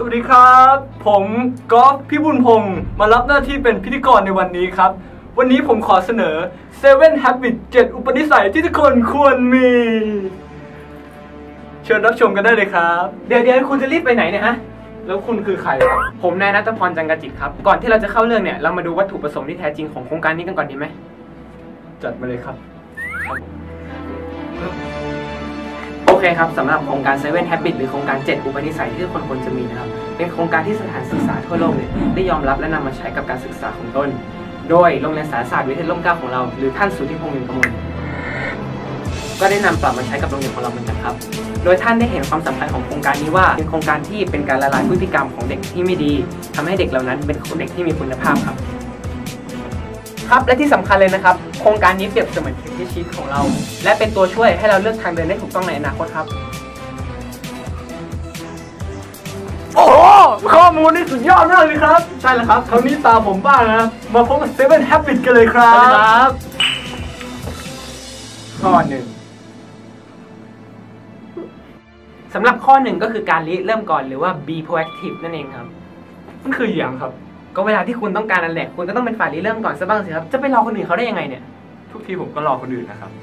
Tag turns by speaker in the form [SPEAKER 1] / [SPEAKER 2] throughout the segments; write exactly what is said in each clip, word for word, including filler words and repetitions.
[SPEAKER 1] สวัสดีครับผมกอล์ฟพี่บุญพงศ์มารับหน้าที่เป็นพิธีกรในวันนี้ครับวันนี้ผมขอเสนอ เซเว่น Habits เจ็ด อุปนิสัยที่ทุกคนควรมีเชิญรับชมกันได้เลยครับ
[SPEAKER 2] เดี๋ยวเดี๋ยวคุณจะรีบไปไหนเนี่ยฮะ
[SPEAKER 1] แล้วคุณคือใครครับ
[SPEAKER 2] ผมนายณัฐพร จังกจิตครับก่อนที่เราจะเข้าเรื่องเนี่ยเรามาดูวัตถุประสงค์ที่แท้จริงของโครงการนี้กันก่อนดีไหม
[SPEAKER 1] จัดมาเลยครับ
[SPEAKER 2] โอเคครับสำหรับโครงการ เซเว่น Habits หรือโครงการเจ็ดอุปนิสัยที่ทุกคนควรจะมีนะครับเป็นโครงการที่สถานศึกษาทั่วโลกเนี่ยได้ยอมรับและนำมาใช้กับการศึกษาของตนโดยโรงเรียนสารศาสตร์วิเทศร่มเกล้าของเราหรือท่านสุทธิพงษ์ นินกมลก็ได้นำปรับมาใช้กับโรงเรียนของเราเหมือนกันครับโดยท่านได้เห็นความสำคัญของโครงการนี้ว่าเป็นโครงการที่เป็นการละลายพฤติกรรมของเด็กที่ไม่ดีทำให้เด็กเหล่านั้นเป็นเด็กที่มีคุณภาพครับครับและที่สำคัญเลยนะครับโครงการนี้เปรียบเสมือนเข็มทิศชีวิตของเราและเป็นตัวช่วยให้เราเลือกทางเดินได้ถูกต้องในอนาคตครับ
[SPEAKER 1] โอ้โหข้อมูลนี่สุดยอดมากเลยครับใช่แล้วครับคราวนี้ตาผมบ้างนะมาพบกับ เซเว่น Habits กันเลยครับ
[SPEAKER 2] ข้อหนึ่งสำหรับข้อหนึ่งก็คือการริเริ่มก่อนหรือว่า be proactive นั่นเองครับ
[SPEAKER 1] มันคืออย่างครับ
[SPEAKER 2] ก็เวลาที่คุณต้องการนั่นแหละคุณก็ต้องเป็นฝ่ายริเริ่มก่อนซะบ้างสิครับจะไปรอคนอื่นเขาได้ยังไงเนี่ย
[SPEAKER 1] ทุกทีผมก็รอคนอื่นนะครับ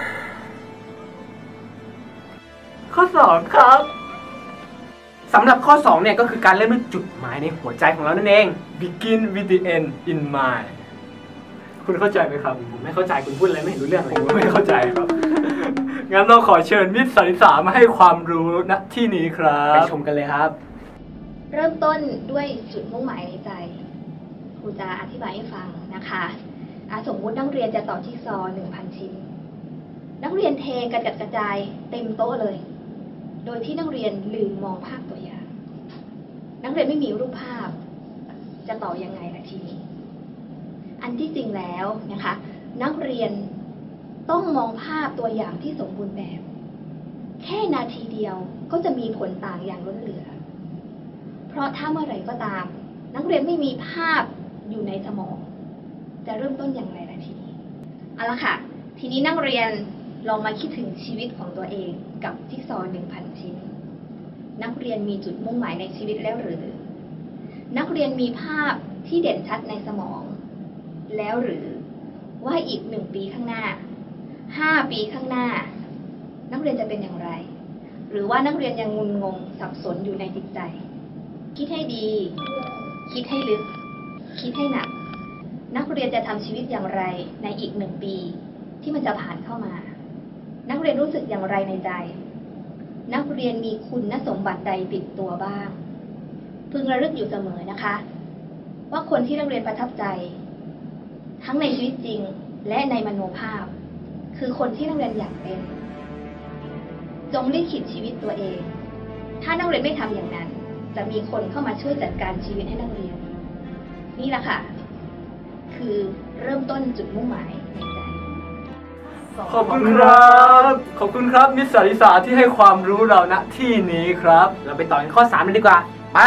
[SPEAKER 1] ข้อสองครับ
[SPEAKER 2] สำหรับข้อสองเนี่ยก็คือการเริ่มด้วยจุดหมายในหัวใจของเรานั่นเอง
[SPEAKER 1] begin with the end in mind คุณเข้าใจไหมครับ
[SPEAKER 2] ผมไม่เข้าใจคุณพูดอะไรไม่เห็นรู้เรื่องเลย
[SPEAKER 1] ผมไม่เข้าใจครับงั้นเราขอเชิญมิตรสันนิษฐานมาให้ความรู้ณที่นี้ครับ
[SPEAKER 2] ไปชมกันเลยครับ
[SPEAKER 3] เริ่มต้นด้วยจุดมุ่งหมายในใจครูจะอธิบายให้ฟังนะคะสมมุตินักเรียนจะต่อจิ๊กซอว์ หนึ่งพัน ชิ้นนักเรียนเทกระจัดกระจายเต็มโต๊ะเลยโดยที่นักเรียนลืมมองภาพตัวอย่างนักเรียนไม่มีรูปภาพจะต่อยังไงล่ะทีนี้อันที่จริงแล้วนะคะนักเรียนต้องมองภาพตัวอย่างที่สมบูรณ์แบบแค่นาทีเดียวก็จะมีผลต่างอย่างล้นเหลือเพราะถ้าเมื่อไหร่ก็ตามนักเรียนไม่มีภาพอยู่ในสมองจะเริ่มต้นอย่างไรล่ะทีนี้เอาละค่ะทีนี้นักเรียนลองมาคิดถึงชีวิตของตัวเองกับจิ๊กซอว์ หนึ่งพัน ชิ้นนักเรียนมีจุดมุ่งหมายในชีวิตแล้วหรือนักเรียนมีภาพที่เด่นชัดในสมองแล้วหรือว่าอีกหนึ่งปีข้างหน้าห้าปีข้างหน้านักเรียนจะเป็นอย่างไรหรือว่านักเรียนยังงุนงงสับสนอยู่ในจิตใจคิดให้ดีคิดให้ลึกคิดให้หนักนักเรียนจะทำชีวิตอย่างไรในอีกหนึ่งปีที่มันจะผ่านเข้ามานักเรียนรู้สึกอย่างไรในใจนักเรียนมีคุณสมบัติใดติดตัวบ้างพึงระลึกอยู่เสมอนะคะว่าคนที่นักเรียนประทับใจทั้งในชีวิตจริงและในมโนภาพคือคนที่นักเรียนอยากเป็นจงลิขิตชีวิตตัวเองถ้านักเรียนไม่ทำอย่างนั้นจะมีคนเข้ามาช่วยจัดการชีวิตให้นักเรียนนี่แหละค่ะคือเริ่มต้นจุดมุ่งหมายในใจ
[SPEAKER 1] ขอบคุณครับขอบคุณครับมิตรสันนิษฐานที่ให้ความรู้เราณที่นี้ครับ
[SPEAKER 2] เราไปต่อกันข้อสามเลยดีกว่าไป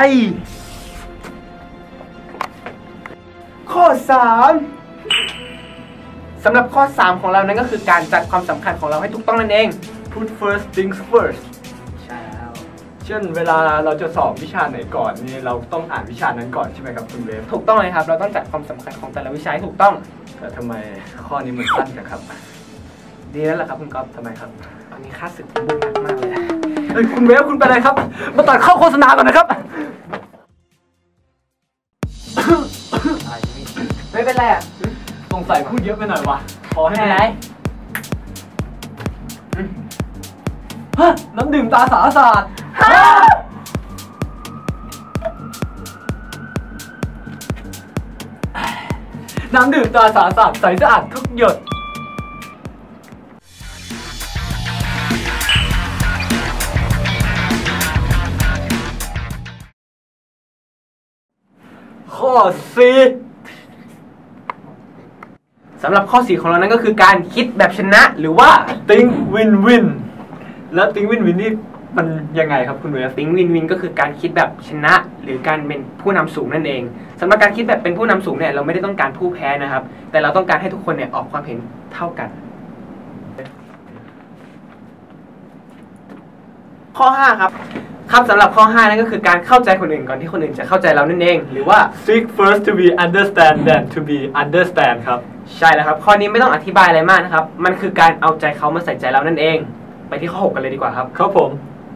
[SPEAKER 2] ข้อสามสำหรับข้อสามของเรานั้นก็คือการจัดความสำคัญของเราให้ถูกต้องนั่นเอง
[SPEAKER 1] put first things first
[SPEAKER 2] ใช่แล้ว
[SPEAKER 1] เช่นเวลาเราจะสอบวิชาไหนก่อนนี่เราต้องอ่านวิชานั้นก่อนใช่ไหมครับคุณเวฟ
[SPEAKER 2] ถูกต้องเลยครับเราต้องจัดความสำคัญของแต่ละวิชาให้ถูกต้อง
[SPEAKER 1] แต่ทำไมข้อนี้มันสั้นจังครับ
[SPEAKER 2] ดีแล้วล่ะครับคุณก๊อฟ
[SPEAKER 1] ทำไมครับ
[SPEAKER 2] ตอนนี้ค่าศึกบุกหนักมากเลย
[SPEAKER 1] เฮ้ยคุณเวฟคุณเป็นอะไรครับมาตัดเข้าโฆษณาก่อนนะครับ
[SPEAKER 2] ไม่เป็นไรอ่ะ
[SPEAKER 1] สงสัยพูดเยอะไปหน่อยวะขอให้
[SPEAKER 2] อะไร
[SPEAKER 1] ฮะน้ำดื่มตาสาศาสตร์น้ำดื่มตาสาศาสตร์ใสสะอาดทุกหยดข้อสี่
[SPEAKER 2] สำหรับข้อสี่ของเรานั้นก็คือการคิดแบบชนะหรือว่า
[SPEAKER 1] think win win แล้ว think win win นี่มันยังไงครับคุณเวฟ
[SPEAKER 2] think win win ก็คือการคิดแบบชนะหรือการเป็นผู้นำสูงนั่นเองสำหรับการคิดแบบเป็นผู้นำสูงเนี่ยเราไม่ได้ต้องการผู้แพ้นะครับแต่เราต้องการให้ทุกคนเนี่ยออกความเห็นเท่ากันข้อห้าครับครับสำหรับข้อห้านั่นก็คือการเข้าใจคนอื่นก่อนที่คนอื่นจะเข้าใจเรานั่นเองหรือว่า
[SPEAKER 1] seek first to be understand than to be understand ครับ
[SPEAKER 2] ใช่แล้วครับข้อนี้ไม่ต้องอธิบายอะไรมากนะครับมันคือการเอาใจเขามาใส่ใจเรานั่นเองไปที่ข้อหกกันเลยดีกว่าครับ
[SPEAKER 1] ครับผม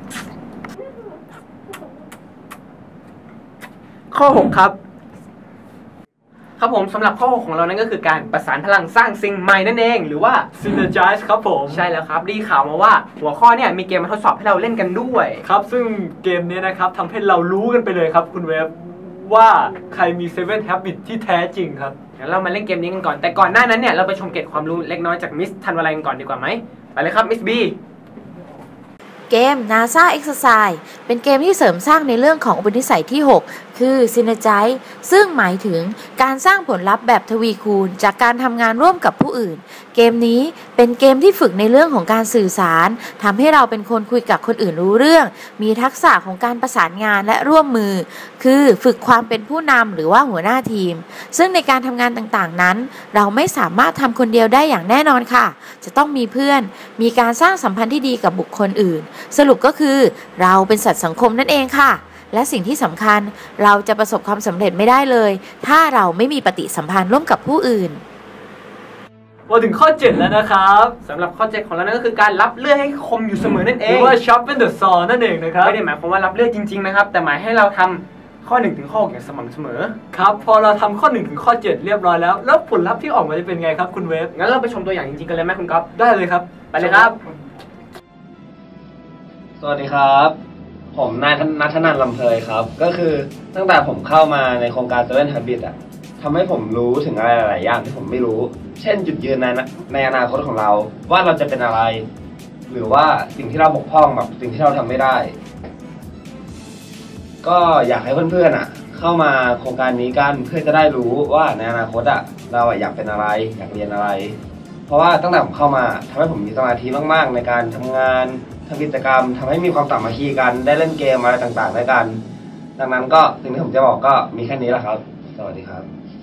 [SPEAKER 2] ข้อหกครับครับผมสำหรับข้อหกของเรานั่นก็คือการประสานพลังสร้างสิ่งใหม่นั่นเองหรือว่า
[SPEAKER 1] synergize ครับผม
[SPEAKER 2] ใช่แล้วครับได้ข่าวมาว่าหัวข้อเนี่ยมีเกมมาทดสอบให้เราเล่นกันด้วย
[SPEAKER 1] ครับซึ่งเกมนี้นะครับทำให้เรารู้กันไปเลยครับคุณเวฟว่าใครมีเซเว่น habit ที่แท้จริงครับ
[SPEAKER 2] งั้นเรามาเล่นเกมนี้กันก่อนแต่ก่อนหน้านั้นเนี่ยเราไปชมเกร็ดความรู้เล็กน้อยจากมิสธันวาลัยกันก่อนดีกว่าไหมไปเลยครับมิสบี
[SPEAKER 4] เกม NASA Exercise เป็นเกมที่เสริมสร้างในเรื่องของอุปนิสัยที่หกคือ Synergize ซึ่งหมายถึงการสร้างผลลัพธ์แบบทวีคูณจากการทำงานร่วมกับผู้อื่นเกมนี้เป็นเกมที่ฝึกในเรื่องของการสื่อสารทำให้เราเป็นคนคุยกับคนอื่นรู้เรื่องมีทักษะของการประสานงานและร่วมมือคือฝึกความเป็นผู้นำหรือว่าหัวหน้าทีมซึ่งในการทำงานต่างๆนั้นเราไม่สามารถทำคนเดียวได้อย่างแน่นอนค่ะจะต้องมีเพื่อนมีการสร้างสัมพันธ์ที่ดีกับบุคคลอื่นสรุปก็คือเราเป็นสัตว์สังคมนั่นเองค่ะและสิ่งที่สำคัญเราจะประสบความสำเร็จไม่ได้เลยถ้าเราไม่มีปฏิสัมพันธ์ร่วมกับผู้อื่น
[SPEAKER 1] มาถึงข้อเจ็ดแล้วนะครับ
[SPEAKER 2] สำหรับข้อเจ็ดของเรานั่นก็คือการรับเลือดให้คมอยู่เสมอนั่นเอง
[SPEAKER 1] หรือว่า sharpen the saw นั่นเองนะครับ
[SPEAKER 2] ไม่ได้หมายความว่ารับเลือดจริงๆนะครับแต่หมายให้เราทำข้อหนึ่งถึงข้อหกอย่างสม่ำเสมอ
[SPEAKER 1] ครับพอเราทำข้อหนึ่งถึงข้อเจ็ดเรียบร้อยแล้วแล้วผลลัพธ์ที่ออกมาจะเป็นไงครับคุณเวฟ
[SPEAKER 2] งั้นเราไปชมตัวอย่างจริงๆกันเลยไหมคุณก๊อฟ
[SPEAKER 1] ได้เลยครับ
[SPEAKER 2] ไปเลยครับ
[SPEAKER 5] สวัสดีครับผมนายณัฐนันท์ ลำเพยครับก็คือตั้งแต่ผมเข้ามาในโครงการ Seven Habits อ่ะทำให้ผมรู้ถึงอะไรหลายอย่างที่ผมไม่รู้เช่นจุดยืนในในอนาคตของเราว่าเราจะเป็นอะไรหรือว่าสิ่งที่เราบกพร่องแบบสิ่งที่เราทำไม่ได้ก็อยากให้เพื่อนๆอ่ะเข้ามาโครงการนี้กันเพื่อจะได้รู้ว่าในอนาคตอ่ะเราอยากเป็นอะไรอยากเรียนอะไรเพราะว่าตั้งแต่ผมเข้ามาทำให้ผมมีสมาธิมากๆในการทำงานทำกิจกรรมทำให้มีความสามัคคีกันได้เล่นเกมอะไรต่างๆด้วยกันดังนั้นก็สิ่งที่ผมจะบอกก็มีแค่นี้แหละครับสวัสดีครับ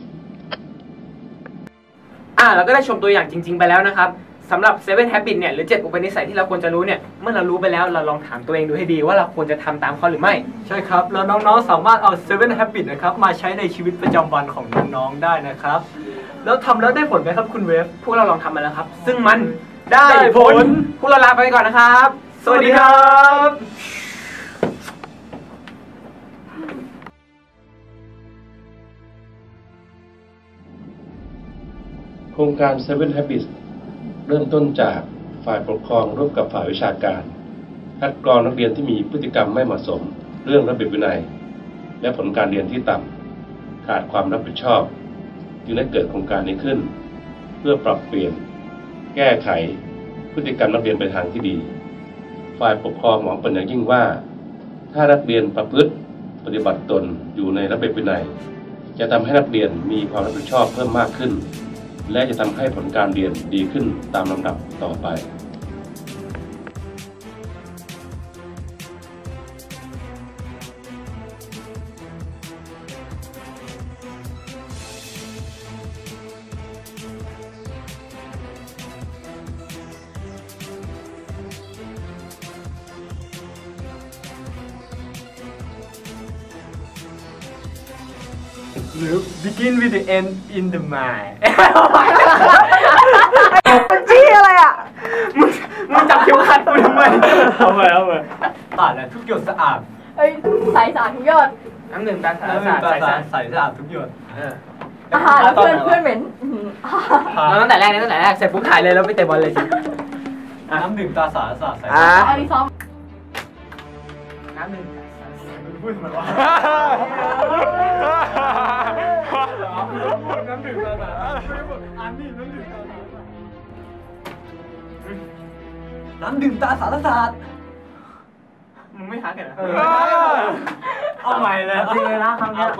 [SPEAKER 2] อ่าเราก็ได้ชมตัวอย่างจริงๆไปแล้วนะครับสำหรับ Seven Habits เนี่ยหรือเจ็ดอุปนิสัยที่เราควรจะรู้เนี่ยเมื่อเรารู้ไปแล้วเราลองถามตัวเองดูให้ดีว่าเราควรจะทำตามเขาหรือไม่
[SPEAKER 1] ใช่ครับแล้วน้องๆสามารถเอา Seven Habits นะครับมาใช้ในชีวิตประจำวันของน้องๆได้นะครับแล้วทำแล้วได้ผลไหมครับคุณเวฟ
[SPEAKER 2] พวกเราลองทำมาแล้วครับซึ่งมันได้ผลพวกเราลาไปก่อนนะครับ
[SPEAKER 1] สวัสดีครับ
[SPEAKER 6] โครงการ Seven Habits เริ่มต้นจากฝ่ายปกครองร่วมกับฝ่ายวิชาการคัดกรองนักเรียนที่มีพฤติกรรมไม่เหมาะสมเรื่องระเบียบวินัยและผลการเรียนที่ต่ำขาดความรับผิดชอบจึงได้เกิดโครงการนี้ขึ้นเพื่อปรับเปลี่ยนแก้ไขพฤติกรรมนักเรียนไปทางที่ดีฝ่ายปกครองหวังเป็นอย่างยิ่งว่าถ้านักเรียนประพฤติปฏิบัติตนอยู่ในระเบียบวินัยจะทำให้นักเรียนมีความรับผิดชอบเพิ่มมากขึ้นและจะทำให้ผลการเรียนดีขึ้นตามลำดับต่อไป
[SPEAKER 1] หรือ begin with the end in the mind
[SPEAKER 7] มันจี้อะไรอ่ะ
[SPEAKER 2] มึงมึงจับเข็มขัดกูทำไม
[SPEAKER 1] เอาไปเอาไปตัดแล้วทุกหยดสะอาด
[SPEAKER 7] เอ้ยใสสะอาดทุกหยด
[SPEAKER 2] น้ำหนึ่งตาสะอาด
[SPEAKER 1] ใสสะอาดทุกหยด
[SPEAKER 7] อาหารเพื่อนเพื่อนเหม็น
[SPEAKER 2] เราตั้งแต่แรกตั้งแต่แรกเสร็จปุ๊บถ่ายเลยแล้วไปเตะบอลเลยสิ
[SPEAKER 1] น้ำดื่มตาสะอาดสะอาดใส
[SPEAKER 7] อันนี้ซ้อม
[SPEAKER 2] น้ำหนึ่ง
[SPEAKER 1] พูดทำไมวะน้ำดื่มตาสะอาดอันนี้น้ำดื่มตาสะอาดน้ำดื่มตาสะอาด
[SPEAKER 2] มึงไม่หากันเหรอ
[SPEAKER 1] เอาใหม่เลย
[SPEAKER 2] จริงเลยนะคำนี้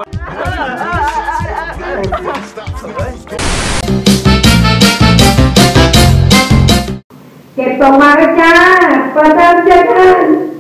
[SPEAKER 7] เก็บส่งมาเลยจ้าประจำเจอกัน